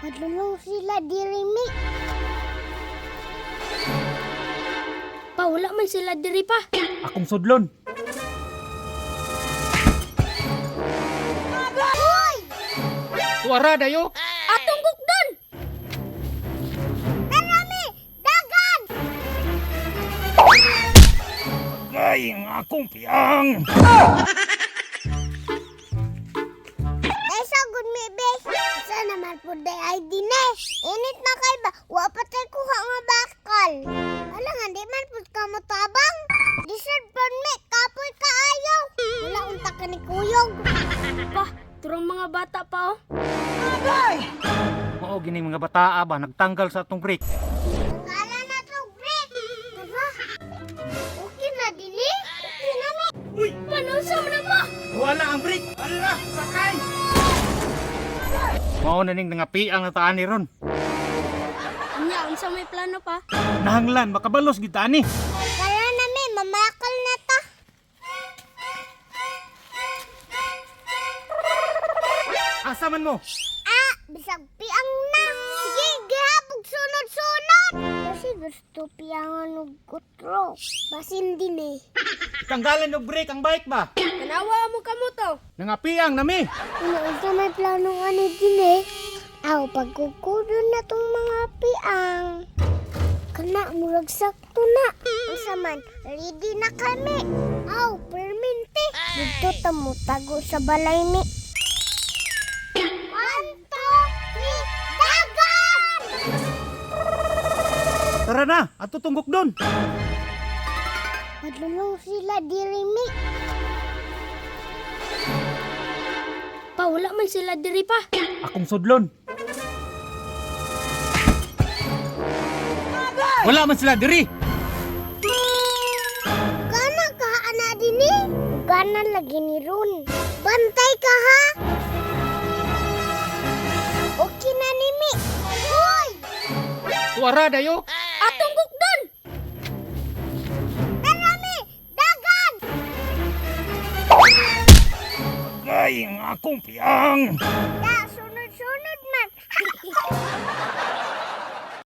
Padulong sila diri mi. Pa, wala man sila diri pa. Akong sudlon. Hoy! Tuara dayo. Atong gugdon! Narami! Dagan! Ay, ang akong piyang. Desa good mi bes. Sa naman po day ID ne. Init na kay ba? Wa pa tay kuha nga bakal. Ala nga di man pud ka mo tabang. Deserve pa mi kapoy kaayo. Wala unta ka ni kuyog. Pa, turong mga bata pa oh. Oo, gining mga bataa ba nagtanggal sa atong break. Kala na to break. Diba? Okay na dili? Okay na mi. Uy, Panusa mo na mo! wala ang break. Ala, sakay. Mao na ning nangapiang na taan ni ron. Anya, unsa may plano pa? Nahanglan makabalos gid ani. Kala na mi mamakal na ta. Asa man mo? Ah, bisag piang na. Sige, gihapog sunod-sunod. Kasi gusto piangan og kutro. Basin din eh. Tanggalan og break ang bike ba? Tanawa mo kamo to. Nangapiang nami. Ano may plano nga ni din eh. Aw, pagkukudo na tong mga piang. Kana, murag sakto na. Ang saman, ready na kami. Aw, perminti. Dito tamo tago sa balay ni. 1, 2, 3, dagan! Tara na, ato tunggok doon. Madulong sila diri mi. Pa, wala man sila diri pa. Akong sudlon. Wala man sila diri. Kana ka ana dini? Kana lagi ni Ron. Bantay ka ha? Okay na ni mi. Hoy! Tuara dayo. Atong gugdon! Narami! Dagan! Ay, ang akong piyang. Da, sunod-sunod man.